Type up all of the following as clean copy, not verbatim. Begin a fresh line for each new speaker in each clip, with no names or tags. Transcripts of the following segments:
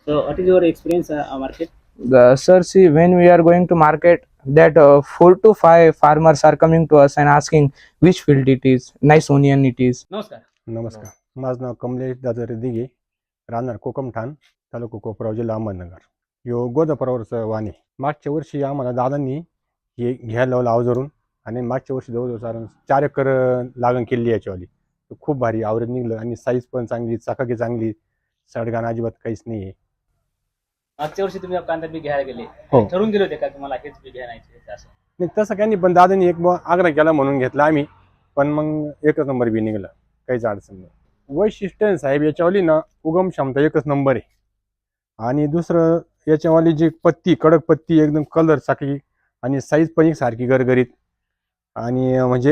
So what is your experience market?
Sir, see, when we are going to market, that 4 to 5 farmers are coming to us and asking which field it is, nice onion it is.
नमस्कार.
नमस्कार. माझं नाव कमलेश दादर दिघे, राहणार कोकमठाण, तालुका कोपराव, जिल्हा अहमदनगर. यो गोदापरावरचं वाण आहे. मागच्या वर्षी आम्हाला दादांनी हे घ्यायला लावलं अवजारून, आणि मागच्या वर्षी जवळजवळ 4 एकर लागण केली याच्यावाली. खूप भारी आवरेज निघलं आणि साईज पण चांगली, चकाकी चांगली, सडगाण अजिबात काहीच नाही आहे.
मागच्या वर्षी तुम्ही कांदा बी घ्यायला गेले,
हो.
ठरवून गेले होते का तुम्हाला हेच बी घ्यायचं असं?
नाही तसं काही नाही, पण दादांनी एक आग्रह केला म्हणून घेतला आम्ही, पण मग एकच नंबर बी निघलं, काहीच अडचण नाही. वैशिष्ट्य साहेब याच्यावाली ना, उगम क्षमता एकच नंबर आहे. आणि दुसरं याच्यावाली जी पत्ती, कडक पत्ती, एकदम कलर चाकी, आणि साईज पण एक सारखी गरगरीत, आणि म्हणजे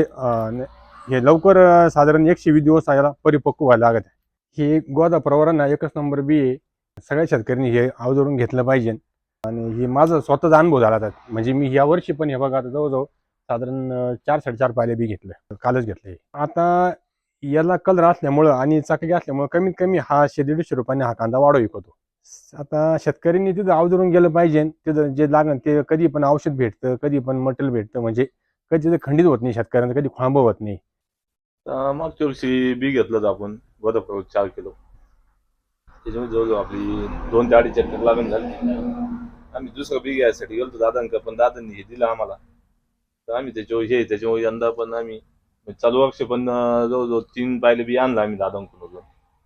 हे लवकर साधारण 120 दिवस याला परिपक्व व्हायला लागत आहे. हे गोदापरावरांना एकच नंबर बी आहे. सगळ्या शेतकऱ्यांनी हे अवजारून घेतलं पाहिजे. आणि हे माझा स्वतःचा अनुभव झाला होता. म्हणजे मी या वर्षी पण हे बघा, आता जवळजवळ साधारण 4-4.5 पायले बी घेतलं, कालच घेतलं. आता याला कलर असल्यामुळं आणि चाकरी असल्यामुळं कमीत कमी हा 100-150 रुपयाने हा कांदा वाढव विकतो. आता शेतकऱ्यांनी तिथं अवजारून गेलं पाहिजे. तिथं जे लागण ते कधी पण औषध भेटतं, कधी पण मटेरियल भेटतं, म्हणजे कधी तिथं खंडित होत नाही शेतकऱ्यांचं, कधी खोळंब होत नाही.
मागच्या वर्षी बी घेतलं होतं आपण गोदापरावर 4 किलो. त्याच्यामुळे जवळजवळ आपली 2 ते 2.5 एकर लागण झाली. आम्ही दुसरं बी घ्यायसाठी गेलो दादांकडे, पण दादांनी हे दिलं आम्हाला, तर आम्ही त्याच्यामुळे यंदा पण आम्ही चालू वर्ष पण जवळजवळ 3 पायले बी आणलं आम्ही दादांकडून.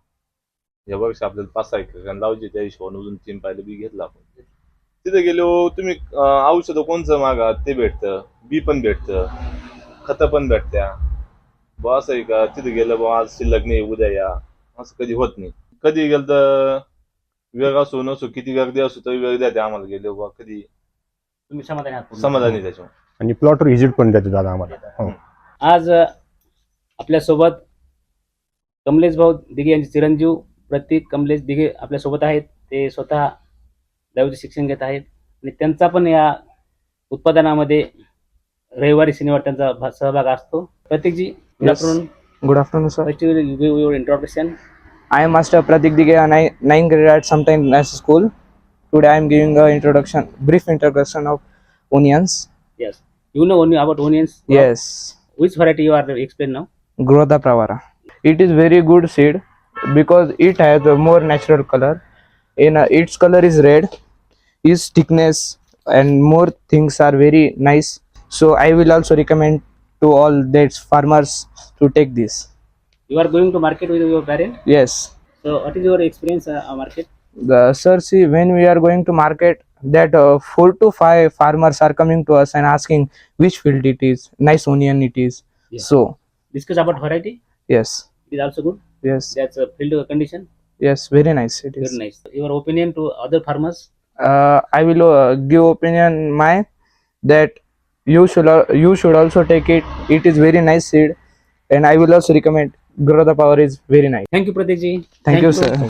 या वर्षी आपल्याला 5-6 एकर लावायचे, त्या हिशोबाने 3 पायले बी घेतलं आपण. तिथे गेलो तुम्ही औषधं कोणचं मागा ते भेटतं, बी पण भेटतं, खतं पण भेटत्या. बा असं आहे का, तिथे गेलं बा आज शिल्लक नाही उद्या या, असं कधी होत नाही. कधी गेलं तर वेळ असो नसो, किती गर्दी असो तरी वेळ द्या आम्हाला गेलो बा, कधी
तुम्ही समाधानी आहात पूर्ण?
समाधानी त्याच्यावर.
आणि प्लॉटवर व्हिजिट पण देतो दादा आम्हाला. हो.
आज आपल्यासोबत कमलेश भाऊ दिघे यांचे चिरंजीव प्रतीक कमलेश दिघे आपल्यासोबत आहेत. ते स्वतः दहावीचे शिक्षण घेत आहेत आणि त्यांचा पण या उत्पादनामध्ये रविवारी शनिवार त्यांचा सहभाग असतो. प्रतीकजी, good
Yes.
Afternoon.
Good afternoon, sir.
First you will give your introduction.
I am Master Pratik Dighe, and 9th grade at Sometime National School. Today I am giving a brief introduction of onions.
Yes. You know only about onions?
Yes,
Which variety you are explain now?
Grodha Pravara. It is very good seed because it has a more natural color. Its color is red, its thickness and more things are very nice. So I will also recommend to all that farmers to take this.
You are going to market with your parent?
Yes.
So what is your experience market?
Sir, see, when we are going to market, that 4 to 5 farmers are coming to us and asking which field it is, nice onion it is.
Yeah.
So
Discuss about variety.
yes,
It is also good.
yes,
That's a field condition.
yes, very nice it is.
Very nice. Your opinion to other farmers?
I will give opinion my that you should also take it. It is very nice seed, and I will also recommend Grodha Power is very nice.
Thank you, Pratik ji.
Thank you, sir.